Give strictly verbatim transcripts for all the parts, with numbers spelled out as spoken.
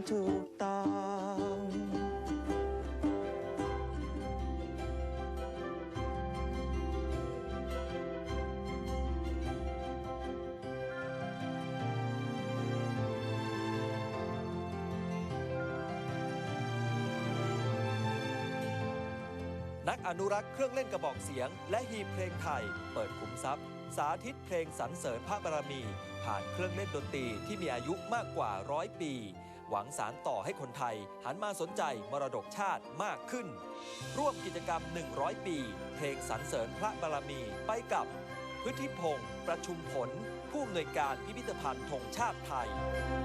ถูกต้องนักอนุรักษ์เครื่องเล่นกระบอกเสียงและฮีบเพลงไทยเปิดขุมทรัพย์สาธิตเพลงสรรเสริญพระบารมีผ่านเครื่องเล่นดนตรีที่มีอายุมากกว่าร้อยปีหวังสานต่อให้คนไทยหันมาสนใจมรดกชาติมากขึ้นร่วมกิจกรรมหนึ่งร้อยปีเพลงสรรเสริญพระบารมีไปกับพฤทธิพงศ์ประชุมผลผู้อำนวยการพิพิธภัณฑ์ธงชาติไทย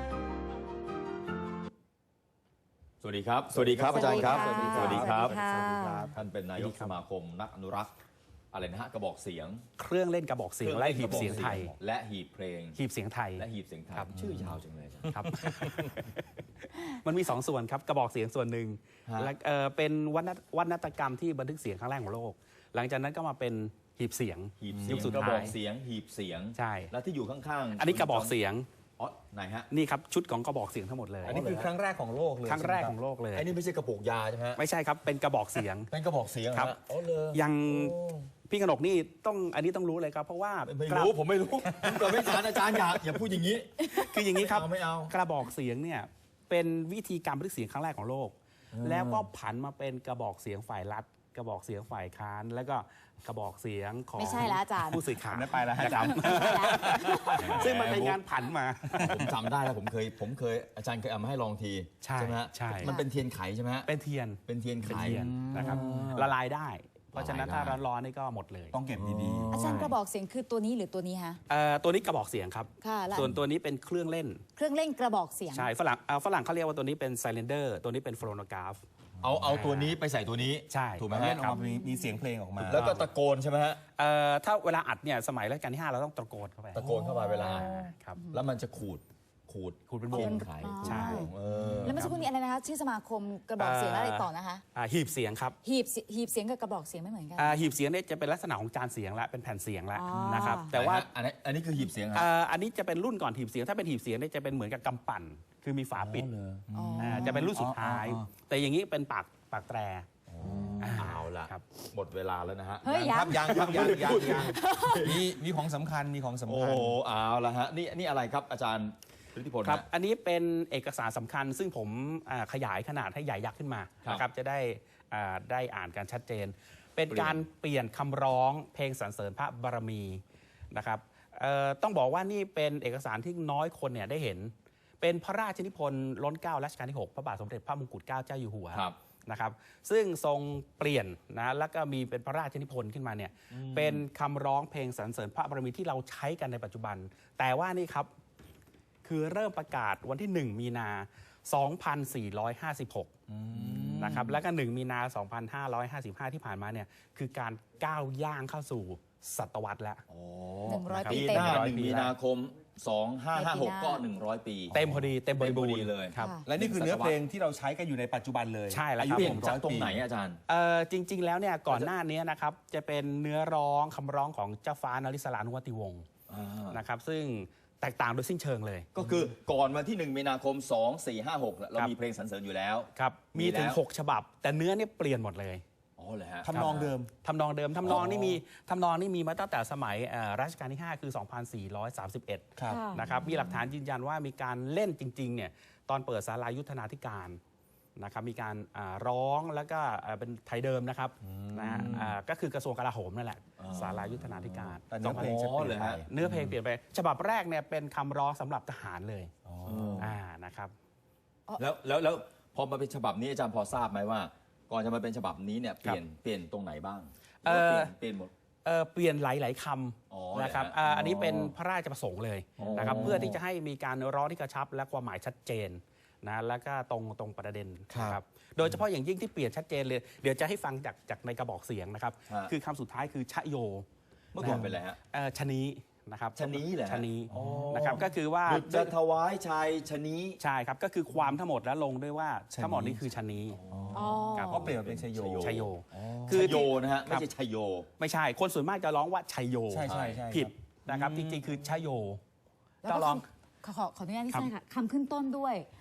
สวัสดีครับสวัสดีครับอาจารย์ครับสวัสดีครับท่านเป็นนายกสมาคมนักอนุรักษ์อะไรนะฮะกระบอกเสียงเครื่องเล่นกระบอกเสียงและหีบเสียงไทยและหีบเพลงหีบเสียงไทยและหีบเสียงไทยชื่อยาวจังเลยครับมันมีสองส่วนครับกระบอกเสียงส่วนหนึ่งและเป็นวรรณกรรมที่บันทึกเสียงครั้งแรกของโลกหลังจากนั้นก็มาเป็นหีบเสียงหีบเสียงกระบอกเสียงหีบเสียงใช่แล้วที่อยู่ข้างๆอันนี้กระบอกเสียงอ๋อไหนฮะนี่ครับชุดของกระบอกเสียงทั้งหมดเลยอันนี้คือครั้งแรกของโลกเลยครั้งแรกของโลกเลยอันนี้ไม่ใช่กระปุกยาใช่ไหมไม่ใช่ครับเป็นกระบอกเสียงเป็นกระบอกเสียงครับยังพี่กนกนี่ต้องอันนี้ต้องรู้เลยครับเพราะว่าไม่รู้ผมไม่รู้ผมเกิดไม่ทันอาจารย์อย่าอย่าพูดอย่างนี้คืออย่างนี้ครับไม่เอากระบอกเสียงเนี่ยเป็นวิธีการบันทึกเสียงครั้งแรกของโลกแล้วก็ผันมาเป็นกระบอกเสียงฝ่ายรัฐกระบอกเสียงฝ่ายค้านแล้วก็กระบอกเสียงของไม่ใช่แล้วอาจารย์ผู้สื่อข่าวไม่ไปแล้วนะครับซึ่งมันเป็นงานผันมาผมจำได้แล้วผมเคยผมเคยอาจารย์เคยเอามาให้ลองทีใช่ไหมฮะใช่มันเป็นเทียนไขใช่ไหมฮะเป็นเทียนเป็นเทียนไขนะครับละลายได้เพราะฉะนั้นถ้าร้อนๆนี่ก็หมดเลยต้องเก็บดีๆอาจารย์กระบอกเสียงคือตัวนี้หรือตัวนี้ฮะตัวนี้กระบอกเสียงครับส่วนตัวนี้เป็นเครื่องเล่นเครื่องเล่นกระบอกเสียงใช่ฝรั่งฝรั่งเขาเรียกว่าตัวนี้เป็นไซเลนเดอร์ตัวนี้เป็นโฟโนกราฟเอาเอาตัวนี้ไปใส่ตัวนี้ใช่ถูกไหมฮะออกมามีเสียงเพลงออกมาแล้วก็ตะโกนใช่ไหมฮะถ้าเวลาอัดเนี่ยสมัยรัชกาลที่ห้าเราต้องตะโกนเข้าไปตะโกนเข้าไปเวลาครับแล้วมันจะขูดขูดขูดเป็นวงไขใช่แล้วเมื่อสักครู่นี้อะไรนะคะชื่อสมาคมกระบอกเสียงอะไรต่อนะคะหีบเสียงครับหีบหีบเสียงกับกระบอกเสียงไม่เหมือนกันหีบเสียงเนี่ยจะเป็นลักษณะของจานเสียงและเป็นแผ่นเสียงแล้วนะครับแต่ว่าอันนี้อันนี้คือหีบเสียงอันนี้จะเป็นรุ่นก่อนหีบเสียงถ้าเป็นหีบเสียงเนี่ยจะเป็นเหมือนกับกำปั่นคือมีฝาปิดจะเป็นรุ่นสุดท้ายแต่อย่างนี้เป็นปากปากแตรเอาละหมดเวลาแล้วนะฮะเฮ้ยยังยังยังยังยังมีมีของสำคัญมีของสำคัญโอ้เอาละฮะนี่นี่อะไรครับอาจารย์ฤทธิพลครับอันนี้เป็นเอกสารสำคัญซึ่งผมขยายขนาดให้ใหญ่ยักษ์ขึ้นมานะครับจะได้ได้อ่านกันชัดเจนเป็นการเปลี่ยนคำร้องเพลงสรรเสริญพระบารมีนะครับต้องบอกว่านี่เป็นเอกสารที่น้อยคนเนี่ยได้เห็นเป็นพระราชนิพนธ์ล้นเกล้ารัชกาลที่หกพระบาทสมเด็จพระมงกุฎเกล้าเจ้าอยู่หัวนะครับซึ่งทรงเปลี่ยนนะแล้วก็มีเป็นพระราชนิพนธ์ขึ้นมาเนี่ยเป็นคำร้องเพลงสรรเสริญพระบารมีที่เราใช้กันในปัจจุบันแต่ว่านี่ครับคือเริ่มประกาศวันที่หนึ่งมีนาสองพันสี่ร้อยห้าสิบหกนะครับแล้วก็หนึ่งมีนาสองพันห้าร้อยห้าสิบห้าที่ผ่านมาเนี่ยคือการก้าวย่างเข้าสู่ศตวรรษแล้วหนึ่งร้อยปีเต็มหนึ่งมีนาคมสองพันห้าร้อยห้าสิบหกก็หนึ่งร้อยปีเต็มพอดีเต็มบริบูรณ์เลยครับและนี่คือเนื้อเพลงที่เราใช้กันอยู่ในปัจจุบันเลยใช่แล้วครับผมจากตรงไหนอาจารย์จริงๆแล้วเนี่ยก่อนหน้านี้นะครับจะเป็นเนื้อร้องคำร้องของเจ้าฟ้านริศรานุวัติวงศ์นะครับซึ่งแตกต่างโดยสิ้นเชิงเลยก็คือก่อนวันที่หนึ่งมีนาคมสองพันสี่ร้อยห้าสิบหกเรามีเพลงสรรเสริญอยู่แล้วครับมีถึงหกฉบับแต่เนื้อเนี่ยเปลี่ยนหมดเลยอ๋อเลยฮะทำนองเดิมทำนองเดิมทำนองนี่มีทำนองนี่มีมาตั้งแต่สมัยรัชกาลที่ห้าคือสองพันสี่ร้อยสามสิบเอ็ดนะครับมีหลักฐานยืนยันว่ามีการเล่นจริงๆเนี่ยตอนเปิดศาลายุทธนาธิการนะครับมีการร้องแล้วก็เป็นไทยเดิมนะครับนะฮะก็คือกระทรวงกลาโหมนั่นแหละศาลายุทธนาธิการเนื้อเพลงจะเปลี่ยนไปเนื้อเพลงเปลี่ยนไปฉบับแรกเนี่ยเป็นคำร้องสำหรับทหารเลยอ่านะครับแล้วแล้วแล้วพอมาเป็นฉบับนี้อาจารย์พอทราบไหมว่าก่อนจะมาเป็นฉบับนี้เนี่ยเปลี่ยนเปลี่ยนตรงไหนบ้างเปลี่ยนเปลี่ยนหมดเปลี่ยนหลายๆคำนะครับอันนี้เป็นพระราชประสงค์เลยนะครับเพื่อที่จะให้มีการร้องที่กระชับและความหมายชัดเจนนะแล้วก็ตรงตรงประเด็นนะครับโดยเฉพาะอย่างยิ่งที่เปลี่ยนชัดเจนเลยเดี๋ยวจะให้ฟังจากจากในกระบอกเสียงนะครับคือคำสุดท้ายคือชโยเมื่อก่อนเป็นอะไรฮะชนีนะครับชนีเหรอชนีนะครับก็คือว่าจะถวายชัยชนีใช่ครับก็คือความทั้งหมดแล้วลงด้วยว่าทั้งหมดนี้คือชนีเพราะเปลี่ยนเป็นชโยชโยคือโยนะฮะไม่ใช่ชโยไม่ใช่คนส่วนมากจะร้องว่าชโยใช่ใช่ผิดนะครับจริงๆคือชโยต้องร้องขอขออนุญาตที่ใช่ค่ะคำขึ้นต้นด้วย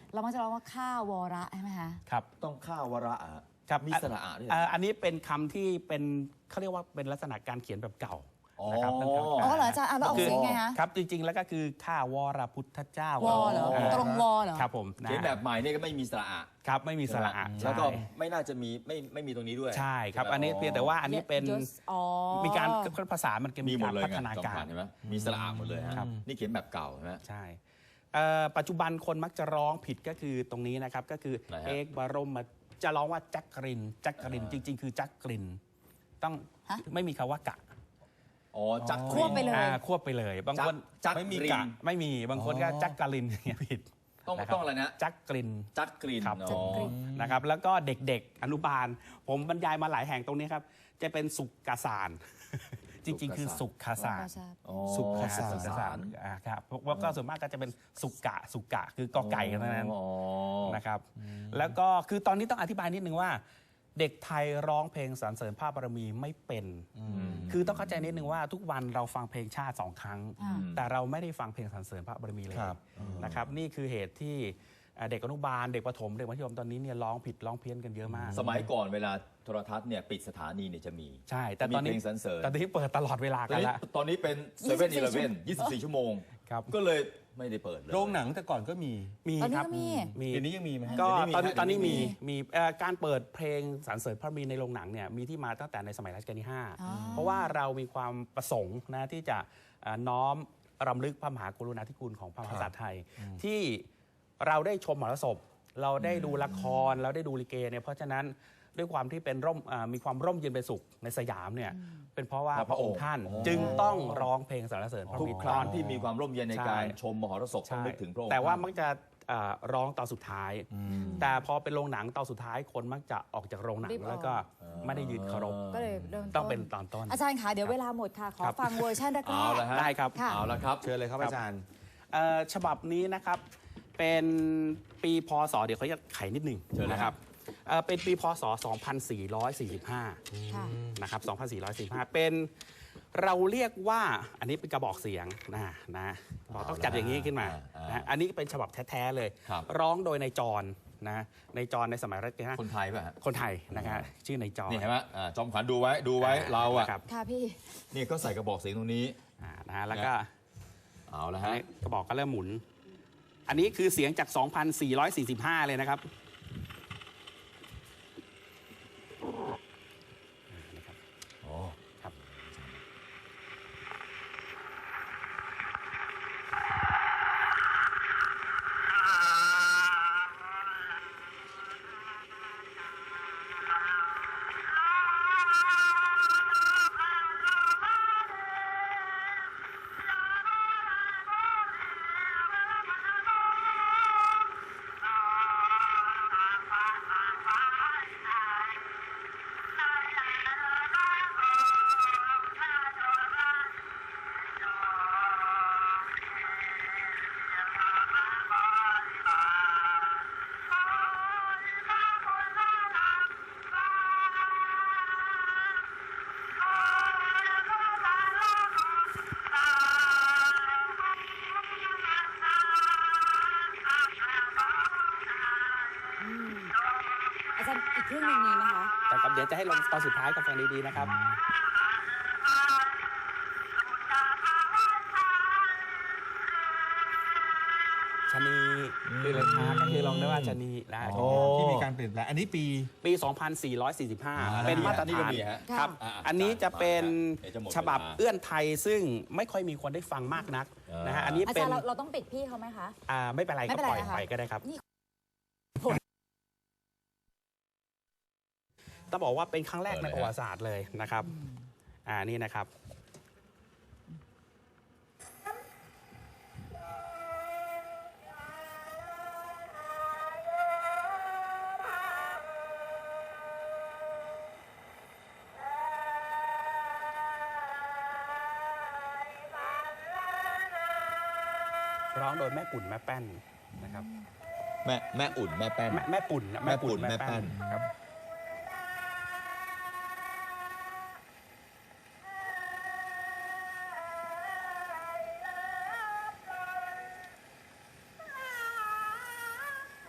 เรามักจะร้องว่าข้าวระใช่ไหมคะครับต้องข้าวระอะครับมีสระอะด้วยเหรเอ่อออันนี้เป็นคำที่เป็นเขาเรียกว่าเป็นลักษณะการเขียนแบบเก่าอ๋อนะครับตั้งแต่อ๋อเหรออาจารย์อ่ะแล้วออกเสียงไงคะครับจริงๆแล้วก็คือข้าวรพุทธเจ้าวอเหรอตรงวอเหรอครับผมนะเขียนแบบใหม่เนี่ยก็ไม่มีสระอะครับไม่มีสระอะแล้วก็ใช่ไม่น่าจะมีไม่ไม่มีตรงนี้ด้วยใช่ครับใช่ไหมอันนี้เพียงแต่ว่าอันนี้เป็นยศอ๋อมีการภาษามันก็มีมีหมกาดรเลยพัไงฒนาจอมกาขวัรญเห็นไหมมีสระอะหมดเลยฮะครับนี่เขียนแบบเก่าใช่ไหมใช่เอ่อปัจจุบันคนมักจะร้องผิดก็คือตรงนี้นะครับก็คือไหนฮะเอกบรมจะร้องว่าจักรินจักรินจริง ๆ คือจักรินต้องฮะไม่มีคำว่ากะอ๋อจักควบไปเลยอ่าควบไปเลยบางคนจักไม่มีริกะนไม่มีบางคนก็จักกรินอย่างเงี้ยผิดต้องนะครับต้องอะไรนะจักกรินจักรินครับอ๋อนะครับแล้วก็เด็กๆ อนุบาล ผมบรรยายมาหลายแห่งตรงนี้ครับ จะเป็นสุกกาสาร จริงๆ คือสุกคาสารอ๋อสุกคาสุสารกคาสารอ่าครับเพราะว่าก็ส่วนมากก็จะเป็นสุกกะสุกกะคือกอไก่กันทั้งนั้นอ๋อนะครับแล้วก็คือตอนนี้ต้องอธิบายนิดนึงว่า เด็กไทยร้องเพลงสรรเสริญพระบารมีไม่เป็น คือต้องเข้าใจนิดนึงว่าทุกวันเราฟังเพลงชาติสองครั้งอ่าแต่เราไม่ได้ฟังเพลงสรรเสริญพระบารมีเลยครับนะครับนี่คือเหตุที่เอ่อเด็กอนุบาลเด็กประถมเด็กมัธยมตอนนี้เนี่ยร้องผิดร้องเพี้ยนกันเยอะมากสมัยก่อนเวลาโทรทัศน์เนี่ยปิดสถานีเนี่ยจะมีใช่ แต่ตอนนี้มีเพลงสรรเสริญตอนนี้เปิดตลอดเวลาตอกัน นนี้ละตอนนี้เป็นเซเว่นอีเลฟเว่นยี่สิบสี่ชั่วโมงครับก็เลยไม่ได้เปิดเลยโรงหนังแต่ก่อนก็มีมีตอนนี้ครับก็มีมีเดี๋ยวนี้ยังมีไหมฮะก็เดี๋ยวนี้มีตอนนี้ฮะตอนนี้เดี๋ยวนี้มีมีมีเอ่อการเปิดเพลงสรรเสริญพระบารมีในโรงหนังเนี่ยมีที่มาตั้งแต่ในสมัยรัชกาลที่ห้าอ๋อเพราะว่าเรามีความประสงค์นะที่จะเอ่อน้อมรำลึกพระมหากรุณาธิคุณของพระมหากษัตริย์ไทย ที่เราได้ชมมหรสพ เราได้ดูละครเราได้ดูลิเกเนี่ยเพราะฉะนั้นด้วยความที่เป็นร่มอ่ามีความร่มเย็นเป็นสุขในสยามเนี่ยเป็นเพราะว่าพระองค์ท่าน จึงต้องร้องเพลงสรรเสริญพระทุกบิคดารั้งที่มีความร่มเย็นในใช่การชมมหรสพต้องนึกถึงพระองค์แต่ว่าท่นมักจะเอ่อร้องตอนสุดท้าย แต่พอเป็นโรงหนังตอนสุดท้ายคนมักจะออกจากโรงหนังรีบออกแล้วก็ไม่ได้ยืนเคารพก็เลยเริ่มต้องเป็นตอนต้นอาจารย์คะเดี๋ยวเวลาหมดค่ะ ขอครับฟังเวอร์ชันแรกเอาละฮะได้ครับค่ะเอาละครับเชิญเลยครับอาจารย์เอ่อฉบับนี้นะครับเป็นปีพศเดี๋ยวเขาจะไขนิดหนึ่งเชิญเลยนะครับเอ่อเป็นปีพศ สองพันสี่ร้อยสี่สิบห้าค่ะนะครับ สองพันสี่ร้อยสี่สิบห้า เป็นเราเรียกว่าอันนี้เป็นกระบอกเสียงนะนะเราต้องจัดอย่างนี้ขึ้นมานะอันนี้เป็นฉบับแท้ๆเลยครับร้องโดยนายจรนะนายจรในสมัยรัชกาลที่ห้าคนไทยป่ะฮะคนไทยนะครับชื่อนายจรนี่เห็นไหมอ่าจอมขวัญดูไว้ดูไว้เราอ่ะนะครับค่ะพี่นี่ก็ใส่กระบอกเสียงตรงนี้อ่านะฮะแล้วก็เอาละอันฮะนี้กระบอกก็เริ่มหมุน อันนี้คือเสียงจาก สองพันสี่ร้อยสี่สิบห้า เลยนะครับอ๋อครับอาจารย์อีกครึ่งหนึ่งมีไหมคะแต่ครับเดี๋ยวจะให้ลงตอนสุดท้ายกับฟังดีๆนะครับ ชะนีคือเลยช้าก็คือลองได้ว่าชะนีนะโอ้ที่มีการเปลี่ยนแปลงอันนี้ปีปี สองพันสี่ร้อยสี่สิบห้าอ่าเป็นมาตรนี่ก็ฐานมีฮะครับอ่าอันนี้จะเป็นเดี๋ยวจะหมดเวลาฉบับเอื้อนไทยซึ่งไม่ค่อยมีคนได้ฟังมากนักอ่านนะฮะอันนี้อาเป็จาน รย์เราเราต้องปิดพี่เขาไหมคะอ่าไม่เป็นไรไม่ก็เป็นไรปล่อยนะคะไปก็ได้ครับนี่ต้องบอกว่าเป็นครั้งแรกเออในเลยฮะประวัติศาสตร์เลยนะครับ อ่านี่นะครับ ร้องโดยแม่ปุ่นแม่แป้นนะครับแม่แม่อุ่นแม่แป้นแม่แม่ปุ่นนะแม่ปุ่นแม่แป้นครับอ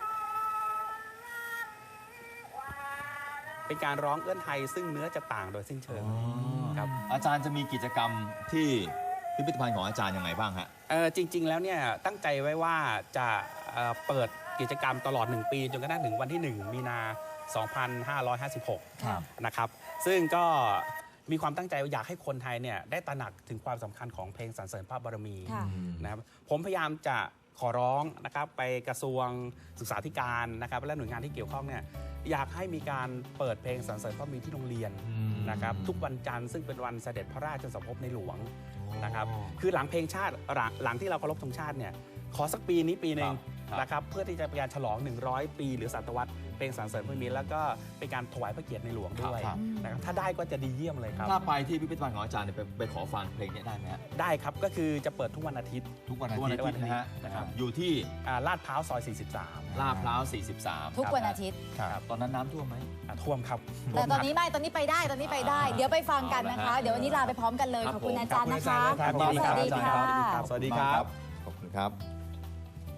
เป็นการร้องเอื้อนไทยซึ่งเนื้อจะต่างโดยสิ้นเชิงครับอาจารย์จะมีกิจกรรมที่พิพิธภัณฑ์ของอาจารย์ยังไงบ้างฮะเอ่อจริง ๆ แล้วเนี่ยตั้งใจไว้ว่าจะเอ่อเปิดกิจกรรมตลอด หนึ่ง ปีจนกระทั่งถึงวันที่ หนึ่ง มีนา สองพันห้าร้อยห้าสิบหกครับนะครับซึ่งก็มีความตั้งใจว่าอยากให้คนไทยเนี่ยได้ตระหนักถึงความสำคัญของเพลงสรรเสริญพระบารมีค่ะนะครับผมพยายามจะขอร้องนะครับไปกระทรวงศึกษาธิการนะครับและหน่วยงานที่เกี่ยวข้องเนี่ยอยากให้มีการเปิดเพลงสรรเสริญพระบารมีที่โรงเรียนนะครับทุกวันจันทร์ซึ่งเป็นวันเสด็จพระราชสมภพในหลวงนะครับคือหลังเพลงชาติหลังหลังที่เราเคารพธงชาติเนี่ยขอสักปีนี้ปีหนึ่งครับนะครับเพื่อที่จะเป็นการฉลอง หนึ่งร้อย ปี หรือศตวรรษเพลงสรรเสริญพระบารมีแล้วก็เป็นการถวายพระเกียรติในหลวงด้วยครับนะครับถ้าได้ก็จะดีเยี่ยมเลยครับถ้าไปที่พิพิธภัณฑ์ของอาจารย์เนี่ยไปไปขอฟังเพลงเนี้ได้ไหมฮะได้ครับก็คือจะเปิดทุกวันอาทิตย์ทุกวันอาทุกวันทิตอาย์ทิตย์นะฮะนะครับอยู่ที่อ่าลาดพร้าวซอย สี่สิบสามลาดพร้าว สี่สิบสามทุกวันอาทิตย์ครับตอนนั้นน้ำท่วมไหมอ่าท่วมครับแต่ตอนนี้ไม่ ตอนนี้ไปได้ ตอนนี้ไปได้ เดี๋ยวไปฟังกันนะคะเอาละฮะเดี๋ยววันนี้ลาไปพร้อมกันเลยครับขอบคุณผมอาจารย์นะคะขอบคุณอาจารย์ครับสวัสดีค่ะสวัสดีครับขอบคุณครับ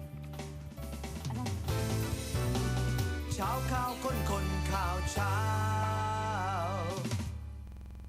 เช้าข่าวคนคนข่าวเช้า